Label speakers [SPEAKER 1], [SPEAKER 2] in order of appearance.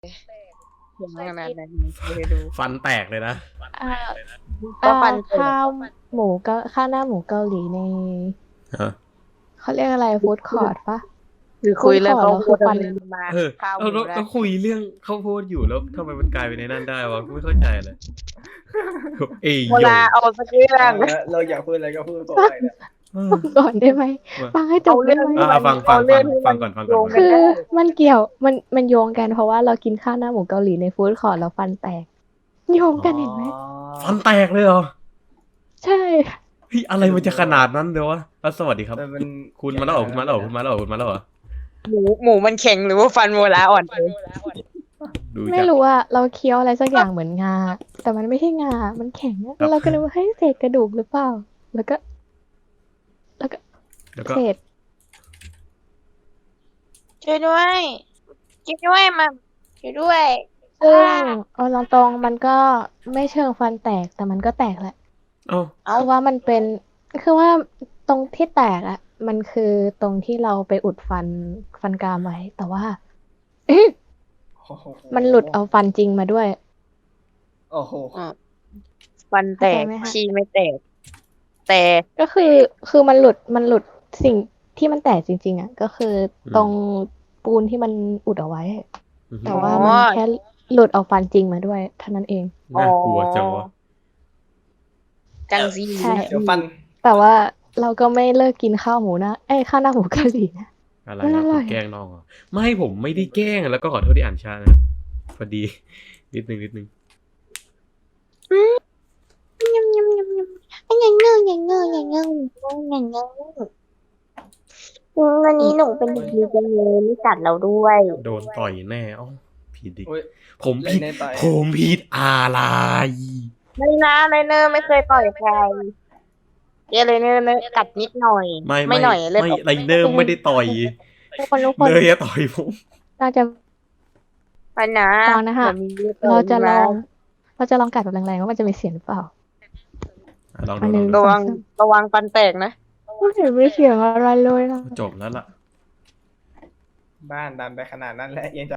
[SPEAKER 1] เสียงขนาดนั้นไม่ได้ดู
[SPEAKER 2] ฟันแตกเลยนะ
[SPEAKER 3] อ่า
[SPEAKER 1] ก็ฟันเตะ
[SPEAKER 3] ข้าวหมูก็ข้าวหน้าหมูเกาหลีใน
[SPEAKER 2] ฮะ
[SPEAKER 3] เขาเรียกอะไรฟู้ดคอร์ทปะ
[SPEAKER 1] คือคุยเรื่อง
[SPEAKER 3] พู
[SPEAKER 1] ข้า
[SPEAKER 3] ด
[SPEAKER 1] ว
[SPEAKER 3] ก่
[SPEAKER 1] โพ
[SPEAKER 3] อน
[SPEAKER 1] ด
[SPEAKER 3] แล้วคือฟัน
[SPEAKER 1] มา
[SPEAKER 2] เออ
[SPEAKER 1] ข้าวห
[SPEAKER 2] เอา
[SPEAKER 1] มู
[SPEAKER 2] แล้ว
[SPEAKER 1] ได้
[SPEAKER 2] ก็คุยเรื่องข้าวโพดอยู่แล้วทำไมมันกลายไปในนั้นได้วะกูไม่เข้าใจเลยเอ้ย
[SPEAKER 1] เว
[SPEAKER 2] โย
[SPEAKER 1] ลาเอาสักเรื่อง
[SPEAKER 4] เราอยากพูดอะไรก็พูดก่อนเลยนะ
[SPEAKER 2] เออ
[SPEAKER 3] ก่อนได้ไหมฟังให้จบได้ไหม
[SPEAKER 2] ฟังก่อน
[SPEAKER 3] คือมันเกี่ยวมันโยงกันเพราะว่าเรากินข้าวหน้าหมูเกาหลีในฟู้ดคอร์ทแล้วฟันแตกโยงกันเห็นไหม
[SPEAKER 2] ฟันแตกเลยเหรอ
[SPEAKER 3] ใช่
[SPEAKER 2] พี่อะไรมันจะขนาดนั้นเดี๋ยววะสวัสดีครับ
[SPEAKER 4] แต่มัน
[SPEAKER 2] คุณมาแล้วเหรอคุณมาแล้วเหรอคุณมาแล้วเหรอคุณมาแล้วเหรอ
[SPEAKER 1] หมูมันแข็งหรือว่าฟันโมลาอ่อน
[SPEAKER 2] ดู
[SPEAKER 3] ไม่
[SPEAKER 2] จาก
[SPEAKER 3] รู้ว่าเราเคี้ยวอะไรสักอย่างเหมือนงา แต่มันไม่ใช่งา มันแข็งอะแล้วเราก็นึกว่าเฮ้ยเศษกระดูกหรือเปล่า แล้วก็
[SPEAKER 2] แล้วก็
[SPEAKER 3] เศษ
[SPEAKER 1] ช่วยด้วยช่วยด้วยมาช่วยด้วย
[SPEAKER 3] ซึ่งเอาตรงๆมันก็ไม่เชิงฟันแตกแต่มันก็แตกแหละ
[SPEAKER 2] เอ้า
[SPEAKER 3] คือว่ามันเป็นคือว่าตรงที่แตกอะมันคือตรงที่เราไปอุดฟันกรามไว้ แต่ว่า มันหลุดเอาฟันจริงมาด้วย
[SPEAKER 4] โอ้โห
[SPEAKER 1] ฟันแตก
[SPEAKER 3] เข้าใจไหมคะ
[SPEAKER 1] ชีไม่แตก แต่
[SPEAKER 3] ก็คือมันหลุดสิ่งที่มันแตกจริงๆอะก็คือตรงปูนที่มันอุดเอาไว้ แต่ว่ามันแค่หลุดเอาฟันจริงมาด้วยเท่านั้นเอง
[SPEAKER 2] น่ากลัวจังวะ
[SPEAKER 1] จังซี
[SPEAKER 3] ใช่
[SPEAKER 4] เดี๋ยวฟัน
[SPEAKER 3] แต่ว่าเราก็ไม่เลิกกินข้าวหมูนะข้าวหน้าหมูเกาหลีนะ
[SPEAKER 2] อะไร
[SPEAKER 3] มัน
[SPEAKER 2] นะ
[SPEAKER 3] อร่
[SPEAKER 2] คุ
[SPEAKER 3] อย
[SPEAKER 2] ณแกล้งน้องเหรอไม่ผมไม่ได้แกล้งแล้วก็ขอโทษที่อ่านช้านะพอดี นิดนึง
[SPEAKER 1] ยำยำยำยำอย่างเงยอย่างเงยอย่างเงยอย่างเงยวันนี้หนูเป็นเด็กดีจังเลยไม่กัดเราด้วย
[SPEAKER 2] โดนต่อยแน่อ๋อผิดดิ
[SPEAKER 4] โอ้ย
[SPEAKER 2] ผม
[SPEAKER 4] เล่
[SPEAKER 2] ผิ
[SPEAKER 4] น
[SPEAKER 2] ด
[SPEAKER 4] ในต่อย
[SPEAKER 2] ผมผิดอะไร
[SPEAKER 1] ไม่นะไลเนอร์ไม่เคยต่อยใครไลเนอร์กัดนิดหน่อย ไม่หน่อยเลือด
[SPEAKER 2] ไม่
[SPEAKER 1] ออก
[SPEAKER 2] ไรเนอร์ไม่ได้ต่อย
[SPEAKER 3] ทุกคน
[SPEAKER 2] เลยอะต่อยผม
[SPEAKER 3] เราจะ
[SPEAKER 1] ไปนะ
[SPEAKER 3] ลองนะคะ
[SPEAKER 1] ดี๋ยวมี
[SPEAKER 3] เราจะลอง
[SPEAKER 1] นะ
[SPEAKER 3] เราจะลองกัดแบบแรงๆว่ามันจะมีเสียงหรือเปล่า
[SPEAKER 2] ลอง
[SPEAKER 3] อัน
[SPEAKER 2] ดู
[SPEAKER 3] หนึ่ง
[SPEAKER 2] ลอง
[SPEAKER 1] ระวังฟันแตกนะ
[SPEAKER 3] ไม่เห็นมีเสียงอะไรเลยนะ
[SPEAKER 2] ดูจบแล้วล่ะ
[SPEAKER 4] บ้านดันไปขนาดนั้นแล้วยังจะ